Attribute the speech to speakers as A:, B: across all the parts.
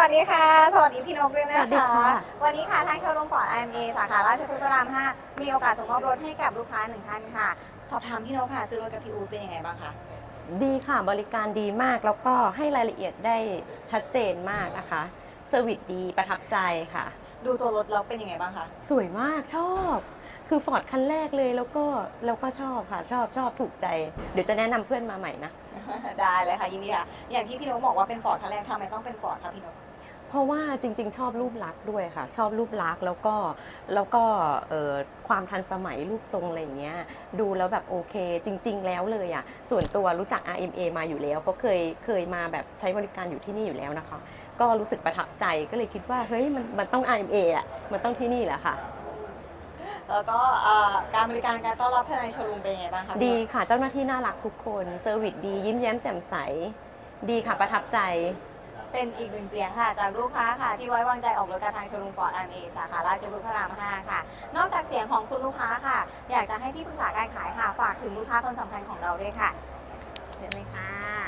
A: วัสดีค่ะสวัสดีพี่นกด้วยนะ
B: สวัสดี
A: คะ
B: ค่ะ
A: วันนี้ค่ะทางโชว์รูมฟอร์ด IMA สาขาราชพฤกษ์พระราม 5มีโอกาสส่งมอบรถให้กับลูกค้าหนึ่งท่านค่ะสอบถามพี่นกค่ะซื้อรถกับพี่อู๊ดเป็นยังไงบ้างคะ
B: ดีค่ะบริการดีมากแล้วก็ให้รายละเอียดได้ชัดเจนมากนะคะเซอร์วิสดีประทับใจค่ะ
A: ดูตัวรถแล้วเป็นยังไงบ้างคะ
B: สวยมากชอบ คือฟอร์ดคันแรกเลยแล้วก็ชอบค่ะชอบถูกใจ เดี๋ยวจะแนะนำเพื่อนมาใหม่นะ
A: ได้เลยค่ะยินดีค่ะอย่างที่พี่นกบอกว่าเป็นฟอร์ดคันแรกทำไมต้องเป็นฟอร์ดคะพี่นก
B: เพราะว่าจริงๆ ชอบรูปลักษณ์ด้วยค่ะ ชอบรูปลักษณ์แล้วก็ความทันสมัยรูปทรงอะไรอย่างเงี้ยดูแล้วแบบโอเคจริง ๆ แล้วเลยอ่ะส่วนตัวรู้จัก RMA มาอยู่แล้วเพราะเคยมาแบบใช้บริการอยู่ที่นี่อยู่แล้วนะคะ ก็รู้สึกประทับใจก็เลยคิดว่าเฮ้ยมันต้อง RMA อ่ะมันต้องที่นี่แหละค่ะ
A: แล้วก็การบริการการต้อนรับภายในโชว์รูมเป็นยังไงบ้างคะพี่นก
B: ดีค่ะเจ้าหน้าที่น่ารักทุกคนเซอร์วิสดียิ้มแย้มแจ่มใสดีค่ะประทับใจ
A: เป็นอีกหนึ่งเสียงค่ะจากลูกค้าค่ะที่ไว้วางใจออกรถกับทางโชว์รูมฟอร์ด IMA สาขาราชพฤกษ์พระราม 5 ค่ะ นอกจากเสียงของคุณลูกค้าค่ะ อยากจะให้ที่ปรึกษาการขายค่ะฝากถึงลูกค้าคนสำคัญของเราด้วยค่ะ เชิญเลยค่ะ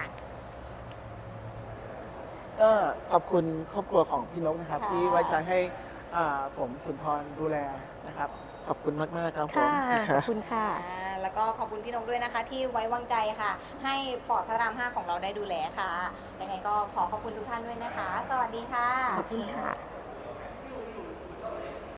C: ก็ขอบคุณครอบครัวของพี่นกนะครับ
A: ค่ะ
C: ที่ไว้ใจให้ผมสุนทรดูแลนะครับ ขอบคุณมากๆครับผม
B: ค่ะขอบคุณค่ะ
A: แล้วก็ขอบคุณพี่นกด้วยนะคะที่ไว้วางใจค่ะ ให้ฟอร์ดพระราม 5 ของเราได้ดูแลค่ะยังไงก็ขอขอบคุณทุกท่านด้วยนะคะ สวัสดีค่ะ
B: ขอบคุณค่ะ